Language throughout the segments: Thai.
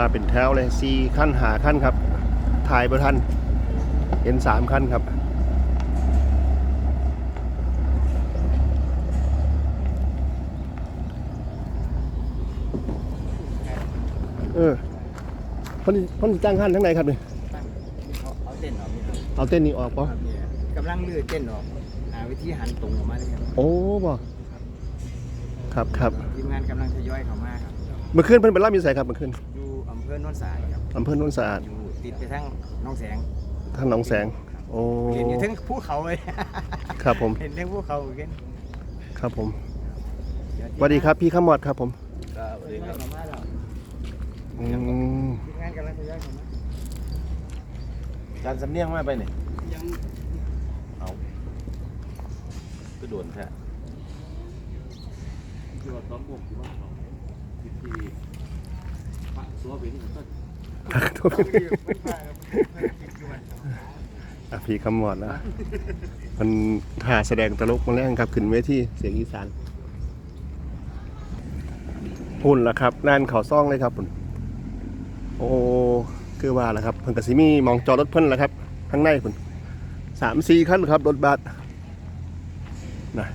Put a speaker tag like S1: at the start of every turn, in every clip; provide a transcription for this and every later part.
S1: เป็นแถวเลย4 ขั้น5 ขั้นครับถ่ายประทันเห็น3 ขั้นครับพ่นจ้างขั้นทั้งไหนครับเนี่ย
S2: เอาเต้นออก
S1: เอาเต้นนี้ออกปะ
S2: กำลังเลือเต้นออกหาวิธีหันตรงออกมาเลยครับ
S1: โอ้บอกครับ
S2: ทีมงานกำลังทยอยเข้ามาครับ
S1: เมื่อคืนเพิ่นเป็นล่ำอยู่ไสครับเมื่อคืน
S2: อยู่อำเภอโนนสะอาดครับ
S1: อำเภอโนนสะอาด
S2: อยู่ติดไปทั้งหนองแสง
S1: หนองแสงโอ้
S2: เห็นอยู่ทั้งภูเขาเลย
S1: ครับผม
S2: เห็นทั้งภูเขาเหมือนกัน
S1: ครับผมสวัสดีครับพี่ขมอดครับผม
S2: สวัสดีครับ
S1: ทีม
S2: งานกำลังทยอยเข้ามา
S3: การสำเนียงมาไปเนี่ยเอาก็โดนแท้ที่ว่าต้อมบกที่ว่าเขาที่ปะซัวเป็นก็
S1: พี่ขมอดนะมันถ่าแสดงตลกมาแรงครับขึ้นเวทีเสียงอีสานพุ่นละครับนั่นเขาซ่องเลยครับพุ่นโอ้คือว่าละครับเพิ่นกสิมีมองจอรถเพิ่นละครับข้างในพุ่น3-4 ขั้นครับรถบัสนะ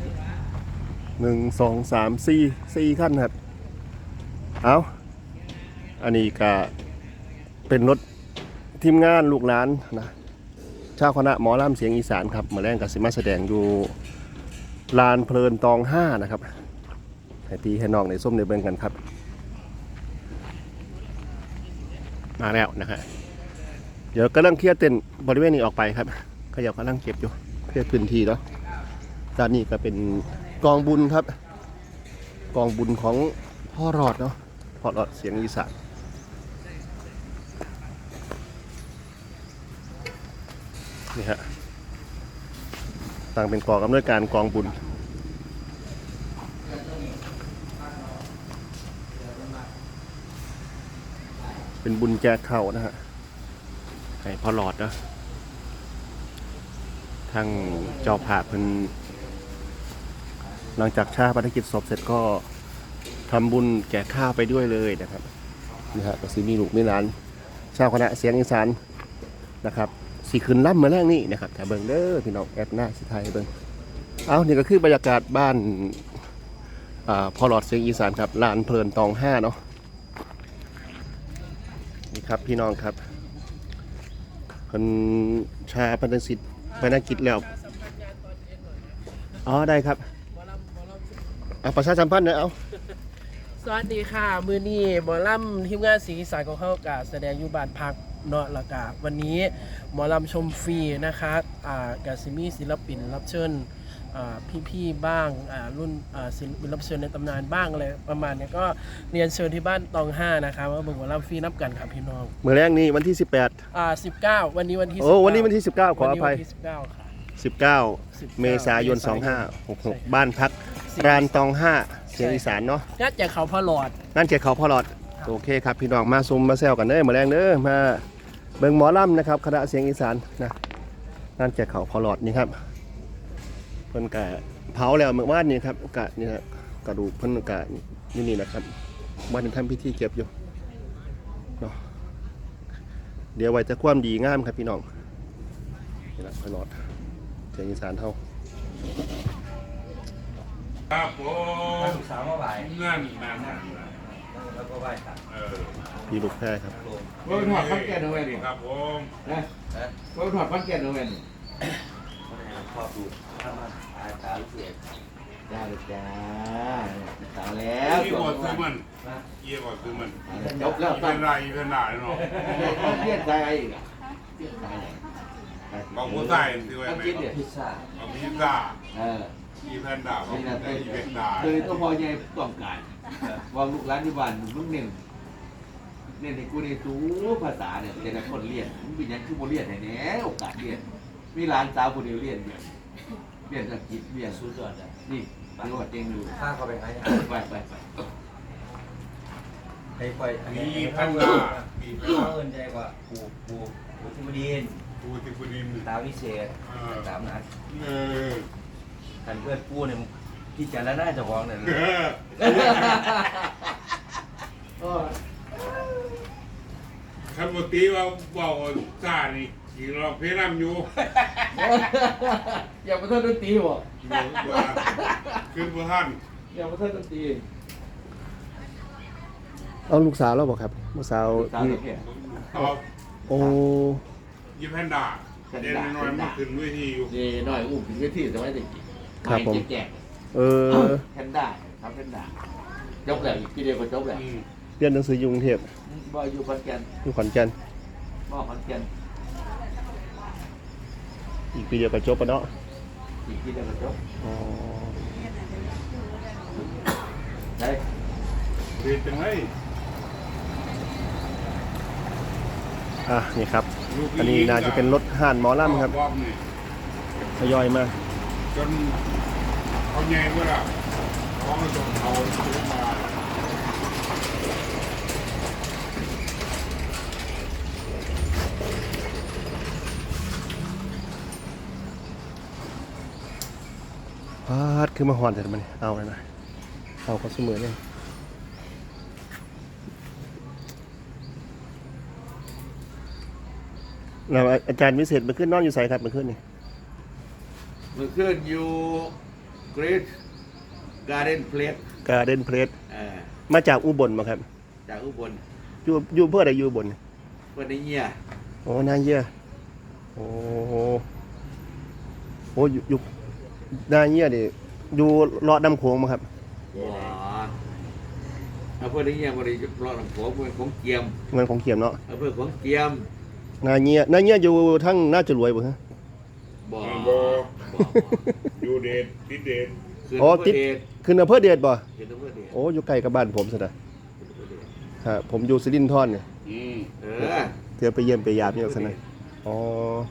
S1: 1 2 3 4 ขั้นครับเอาอันนี้ก็เป็นรถทีมงานลูกหลานนะชาวคณะหมอลำเสียงอีสานครับมาแรงกสิมาแสดงอยู่ลานเพลินตอง5นะครับให้พี่ให้น้องในส้มในเบิ่งกันครับมาแล้วนะฮะเดี๋ยวกำลังเคลียร์เต็นท์บริเวณนี้ออกไปครับขยับกำลังเก็บอยู่เคลียร์พื้นที่แล้วด้านนี้ก็เป็นกองบุญครับกองบุญของพ่อรอดเนาะพ่อรอดเสียงอีสานนี่ฮะต่างเป็นกองอำนวยการกองบุญเป็นบุญแจกข้าวนะฮะให้พ่อหลอดนะทางเจ้าภาพเพิ่นหลังจากชาปนกิจศพเสร็จก็ทำบุญแจกข้าวไปด้วยเลยนะครับนี่ฮะก็สิมีลูกมีหลานชาวคณะเสียงอีสานนะครับสีขึ้นล่ำมาแรกนี่นะครับแต่เบิ่งเด้อพี่น้องแอดหน้าสิไทยเบิ่งเอานี่ก็คือบรรยากาศบ้านพ่อหลอดเสียงอีสานครับลานเพลินตอง5เนาะนี่ครับพี่น้องครับคนชาปนกิจแล้วอ๋อได้ครับประชาสัมพันธ์นะเอา
S4: สวัสดีค่ะมือนี้หมอลำทีมงานสีสายของเขากาแสดงอยู่บ้านพักเนาะละกาวันนี้หมอลำชมฟรีนะคะกาซิมีศิลปินรับเชิญพี่ๆบ้างรุ่นศิลปินรับเชิญในตำนานบ้างอะไรประมาณนี้ก็เรียนเชิญที่บ้านตอง5นะคะว่าเบิ่งหมอลำฟรีนับกันครับพี่น้อง
S1: เมื่อแรกนี้วันที่
S4: 19วันนี้วันที่
S1: วันนี้วันที่19ขออภัย
S4: วันที่19ค่ะ
S1: 19 เมษายน 2566บ้านพักรานตอง5เสียงอีสานเนาะ
S4: งานแจกเขาพ่อหลอด
S1: นั่นแจกเขาพ่อหลอดโอเคครับพี่น้องมาซุมมาแซวกันเด้อมาแรงเด้อมาเบิ่งหมอลำนะครับคณะเสียงอีสานนะนั่นแจกเขาพ่อหลอดนี่ครับเพิ่นกะเผาแล้วเมื่อวานนี้ครับกะนี่ฮะกระดูกเพิ่นกะนี่นะครับวันทำพิธีเก็บอยู่เนาะเดี๋ยวไว้จะความดีงามครับพี่น้องนี่แหละพ่อหลอดเสียงอีสานเท่า
S3: ครับผม
S2: สาวมาบ่าย
S3: เงื่อนนาน
S2: แล้วก็ไหว้ตัด
S1: พี่ลูกแพ้ครับ
S2: รถถอดพันแก่นเอาไว้ดิ
S3: ครับผม
S2: นะรถถอดพันแก่นเอาไว้ดิ
S3: ชอบดู
S2: ตาลูกเสียจ้าลูกจ้าสาวแล้ว
S3: ยี่บอดซื้อมันยี่บอดซื้อมัน
S2: จบแล้ว
S3: เป็นไรเป็นไรเนาะ
S2: เลียดใจอีก
S3: บอกผู้ชายซื้อไว้ไหม
S2: พิซซ่า
S3: เอาพิซซ่าอีแพนด้าอีแพนด้า
S2: คือตัวพอใหญ่ต้องการวางลูกร้านที่บ้านลูกเนี่ยในกูในตู้ภาษาเนี่ยแต่ละคนเรียนมันเป็นยังคือโมเรียนแน่โอกาสเรียนมีร้านสาวคนเดียวเรียนอังกฤษเรียนสุดยอดนี่เรียกว่าเต็งดูข้าเขาไปไหนไป
S3: มีแพนด้ามีแพนด้า
S2: เงินใจกว่าปูทิมดินตาวิเศษตามนั้นท่านเพื่อนปูเนี่ยที่จะแล้วน่าจะฟ้องเนี่ย
S5: ตรีว่าเบาซานี่กี่รอบเพลำอยู่
S2: อย่ามาท่านดนตรีบ่
S5: ขึ้นบ่ทัน
S2: อย่ามาท่านดนตรี
S1: เอาลูกสาวแล้วบอกครับลูกสาว
S2: สาว
S1: ที่
S2: เด็กเนี่ย
S5: เอา
S1: โอ้
S5: ยิบแพนด้าเด่นน้อยมาขึ้นเวทีอยู่
S2: นี่หน่อยอุ้มถึงที่สมัยเด็ก
S1: ครับผม
S2: แจก
S1: เออ
S2: แพนด้าครับแพนด้ายกแล้วอีกทีเดียวก็จบแล้ว
S1: เรียนหนังสืออยู่กรุงเทพ
S2: บ่อยู่ขอนแก่น
S1: อยู่ขอนแก่น
S2: บ่ขอนแก่น
S1: อีกปีเดียวก็จบปะเนาะ
S2: อีกทีเดียวก็จบ
S1: อ๋อ
S2: ใช่
S5: เรียนจังไร
S1: อ่ะนี่ครับ อันนี้น่าจะเป็นรถห่านหมอลำครับ
S5: รอบนี่
S1: ทยอยมา
S5: จนเขาแย่เมื่อไหร่เขาก็ส่งเขาเรียกมา
S1: พาดคือมาหอนแต่มันเอาเลยนะเอาเขาเสมอเลยแล้วอาจารย์วิเศษมาขึ้นนอนอยู่ใส่ครับมาขึ้นนี่
S2: มันขึ้นอยู่ Great Garden Place
S1: การ์เด้นเพลส
S2: เออ
S1: มาจากอุบลมาครับ
S2: จากอุบล
S1: อยู่เพื่ออะไรอยู่อุบล
S2: เพื่อนในเงีย
S1: โอ้นาเยี่ยโอ้โหโอ้อยู่นาเยี่ยดิอยู่เลาะดำโขงมาครับ
S2: ว้าเอาเพื่อนในเงียบริรอดของเพื่อนของเกียม
S1: เงินของเขียมเนาะ
S2: เอาเพื่อนของเกียม
S1: นาเยี่ยอยู่ทั้งน่าจะรวยบ่ฮะ
S2: บ่
S5: บออยู่เดทติดเดท
S2: ขึ้น
S1: อ๋อ
S2: อำเภ
S1: ติ
S2: อ
S1: ด
S2: เดช
S1: ขึ้นอำเภอเดชบ่
S2: ขึ้นอำเภอเดช
S1: โอ้อยู่ใกล้กับบ้านผมซะนะ
S2: ขึ้นอำเภอเดช
S1: ฮะผมอยู่สิรินธรเนี่ย
S2: เออ
S1: เที่ยวไปเยี่ยมไปยามนี่ซะนะอ๋อ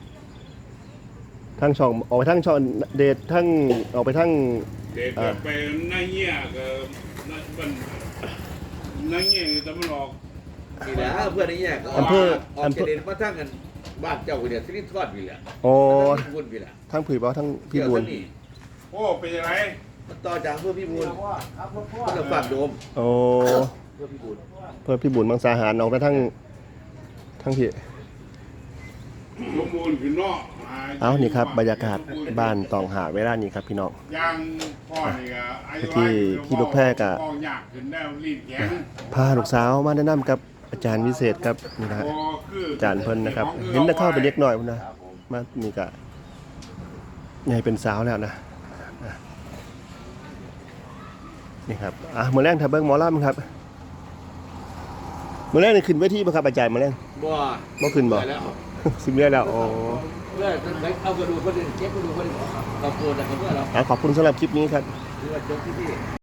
S1: ทั้งช่องออกไปทั้งช่องเดชทั้งออกไปทั้ง
S5: เดทก็ไปนั่งเงี้ยก็นั่งเงี้ยแต่มันออก
S2: นี่แหละเพื่อนในเงียก็ออกจากเดชมาทั้งกันบ้านเจ้าเนี่ยสิริทอดไปแหละ
S1: โอ้
S2: ทั้งพี่บุญไปแหละ
S1: ทั้งผือบ่ทั้งพี่บุญ
S2: เกี่ยวกับนี่
S5: โอ้เป็นยังไง
S2: มันต่อจากเพื่อพี่บุญเพื่อฝากโดม
S1: โอ้
S2: เพื่อพี่บุญ
S1: เพื่อพี่บุญมังสาหารออกไปทั้งพี่
S5: ลงมูลขึ้นนอก
S1: เอานี่ครับบรรยากาศบ้านตองหาเวลานี้ครับพี่น้อง
S5: ย่างพ่อนี่ก็อายุ
S1: ที่ลูกแพร่ก็
S5: พ่อยากขึ้นได้รีดแข็ง
S1: พาลูกสาวมาแนะนำกับอาจารย์วิเศษครับนี่นะฮะ อาจารย์เพิ่นนะครับ เห็นแต่เข้าไปเล็กน้อยพุ่นนะมานี่ก็ใหญ่เป็นสาวแล้วนะนี่ครับมื้อแรกถ้าเบิ่งหมอลำครับมื้อแรกนี่ขึ้นเวทีบ่ครับอาจารย์มื้อแรก
S2: บ่
S1: บ่ขึ้นบ่
S2: แล้ว
S1: สิบเดือนแล้วอ๋อ
S2: เพื่อเอากระดูกคนอื่นเก็บกระดูกคนอื่นขอบคุณนะครับเพื่อนเรา
S1: ขอบคุณสำหรับคลิปนี้ครับ
S2: ที่ว่าจบที่นี่